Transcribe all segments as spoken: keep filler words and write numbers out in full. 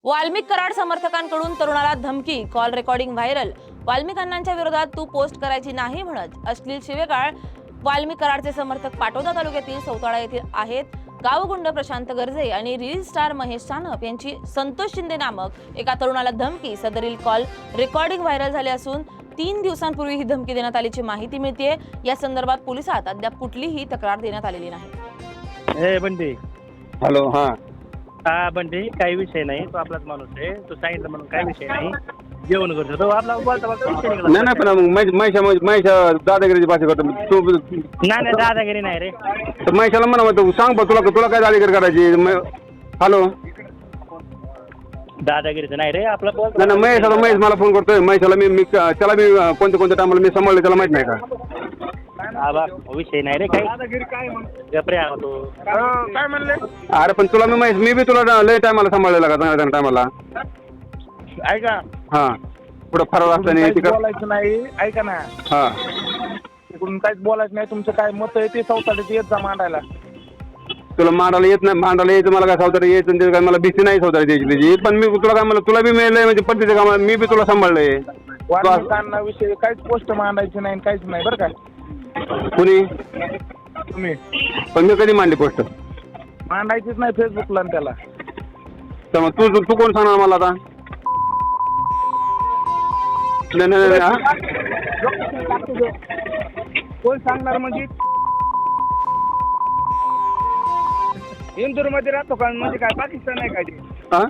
वाल्मिक कराड समर्थकांकडून तरुणाला धमकी, call recording viral. Valmik अण्णांच्या विरोधात तू पोस्ट करायची नाही म्हणत अश्लील शिवेगाळ वाल्मिक कराडचे समर्थक पाटोदा तालुक्यातील सौताळा येथील आहेत। गावगुंड प्रशांत गर्जे आणि रील स्टार महेश सानप यांची संतोष शिंदे नामक एका तरुणाला धमकी, सदरील कॉल रेकॉर्डिंग व्हायरल झाले असून तीन दिवसांपूर्वी ही धमकी देण्यात आल्याची माहिती मिळते। या संदर्भात पोलिसात अद्याप कुठलीही तक्रार देण्यात आलेली नाही। ए बंडी, हॅलो. हा हा बंडी, काही विषय नाही, तो आपलाच माणूस आहे, तो सांगितलं म्हणून काही विषय नाही, जेवण करतो तो आपला बोलता बोलता विषय निघाला. नाही नाही, पण मग महिषा महिषा दादागिरीची भाषा करतो तू. नाही नाही, दादागिरी नाही रे. तर महिषाला म्हणा मग तू सांग बघ, तुला तुला काय दादागिरी करायची. हॅलो. दादागिरीचं नाही रे, आपला बोल. नाही नाही, महेश आता महेश मला फोन करतोय. महेशाला मी मी त्याला मी कोणत्या कोणत्या टायमाला मी सांभाळलं त्याला माहित नाही का. आबा विषय नाही रे काही. गपरे आहो तो. काय म्हणले? अरे पण तुला मी महेश मी बी तुला लय टायमाला सांभाळलेला का चांगल्या टायमाला. ऐका, हा पुढं फरार असताना काहीच तिकडं. बोलायचं नाही. ऐका ना, हा तिकडून काहीच बोलायचं नाही. तुमचं काय मत आहे ते चौथाडीत येत जा मांडायला. तुला मांडायला येत नाही, मांडायला यायचं मला काय सावतारी यायचं त्याचं काय मला भीती नाही सावतारी द्यायची त्याची. पण मी तुला काय म्हणलं, तुला बी मिळलंय म्हणजे पद्धतीचं काम मी बी तुला सांभाळलंय. वाल्मिकांना विषयी काहीच पोस्ट मांडायची नाही, काहीच नाही बरं का. कुणी तुम्ही पण मी कधी मांडली पोस्ट मांडायचीच नाही फेसबुकला आणि त्याला. तर मग तू तू कोण सांगणार मला आता. नाही नाही नाही, हा? कोण सांगणार म्हणजे? इंदूर मध्ये राहतो का म्हणजे काय पाकिस्तान आहे काय ते? हा?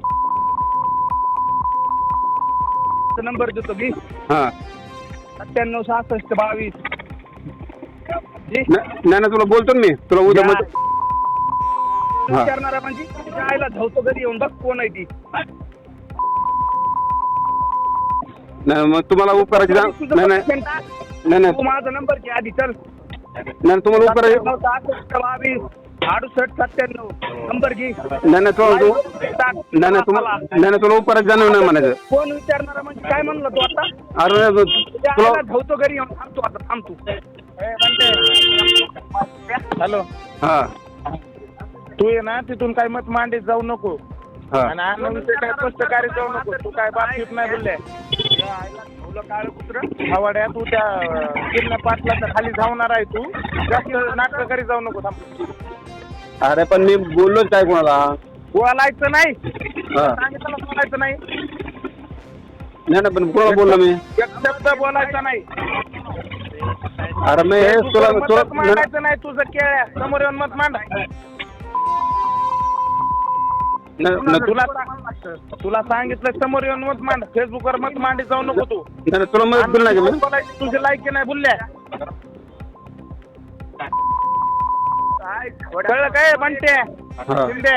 नंबर देतो मी, हा. सत्त्याण्णव सहासष्ट बावीस. जी नाही नाही, तुला बोलतो ना मी तुला उद्या मग. हा. विचारणारा म्हणजे तिच्या आईला धावतो घरी येऊन बघ कोण आहे ती. नाही मग तुम्हाला उपकाराची जा- तुझं नाही नाही बघ टाक. नाही नाही तू माझा नंबर घे आधी, चल. नाही तुम्हाला उपकाराची सत्त्याण्णव सहासष्ट बावीस अडुसष्ट सत्त्याण्णव नंबर घे. नाही नाही तुला तू नाही नाही तुम्हाला नाही नाही तुला उपकाराची जाणीव नाही म्हणायचं. कोण विचारणारा म्हणजे काय म्हणलं तू आता? अरे नाही, तू- तुझ्या तुला आईला धावतो घरी येऊन थांबतो आता, थांबतो. हॅलो, हा तू ये ना तिथून काय मत मांडीत जाऊ नको हा आणि अण्णाविषयी काय स्पष्टकारी जाऊ नको. तू काय बातचीत नाही बोलले. तुझ्या आईला धावलं काळं कुत्रं हवाड्या. तू त्या गिरणा पाटलाच्या खाली धावणार आहे. तू जास्त नाटक करी जाऊ नको, थांब. अरे पण मी बोललोच काय कोणाला. बोलायचं नाही, हा. सांगितलं बोलायचं नाही. नाही नाही, पण कोणाला बोललो मी. एक शब्द बोलायचा नाही. अरे मी हे तुला मतच तुला मांडायचं नाही. तुझं केळ्या समोर येऊन मत मांड. नाही, नाही, तुला तुला सांगितलं समोर येऊन मत मांड. फेसबुकवर मत मांडी जाऊ नको तू. नाही, नाही, तुला मदत केली नाही का मी. बोलायची तुझी लायकी नाही बोलल्या. कळलं काय म्हणते हा. शिंदे?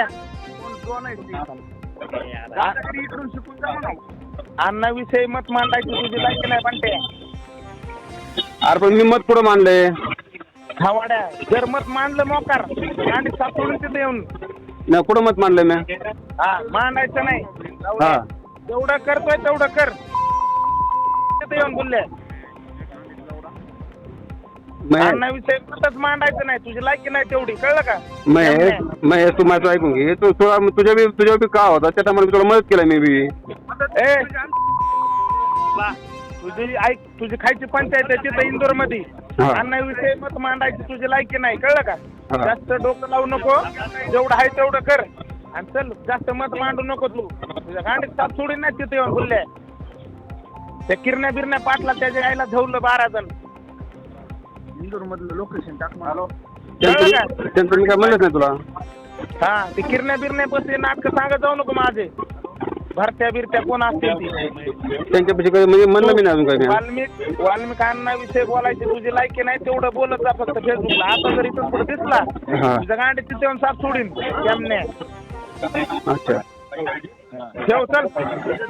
अण्णा विषयी मत मांडायची तुझी लायकी नाही म्हणते. अरे पण मी मत पुढं मांडलंय. हवाड्या जर मत मांडलं मोकार आणि सापडून तिथे येऊन नाही कुठं मत मांडलंय मी. हा मांडायचं नाही. हा जेवढं करतोय तेवढं कर. तिथे येऊन बोलले महेश अण्णा विषयी मतच मांडायचं नाही. तुझी लायकी नाही तेवढी, कळलं का? महेश महेश तू माझं ऐकून घे. तू तुला तुझ्या बी तुझ्या बी का होता त्या टायमाला तुला मदत केलं मी बी. ए तुझी ऐक, तुझी खायची पंचायत आहे तिथं इंदोर मध्ये. हा. अण्णा विषयी मत मांडायची तुझी लायकी नाही, कळलं का? हा. जास्त डोकं लावू नको. जेवढं आहे तेवढं कर आणि चल. जास्त मत मांडू नको तू. तुझ्या गांडीत साप सोडून नाही तिथे येऊन बोलले. त्या किरण्या बिरण्या पाटला त्याच्या आईला धवलं बारा जण. इंदोर मधलं लोकेशन टाक. हॅलो, त्यांचं त्यांचं मी काय म्हणलंच नाही तुला. हा ते किरण्या बिरण्या बसले नाटकं सांगत जाऊ नको माझे. भरत्या बिरत्या कोण असतील ती. त्यांच्यापाशी काही म्हणजे म्हणलं मी नाही अजून काही. वाल्मिक वाल्मिकांना विषय बोलायची तुझी लायकी नाही तेवढं बोलत जा फक्त फेसबुकला. आता जर इथून पुढे दिसला हा. तुझ्या गांडी तिथे येऊन साप सोडीन. त्यामने अच्छा ठेव, चल.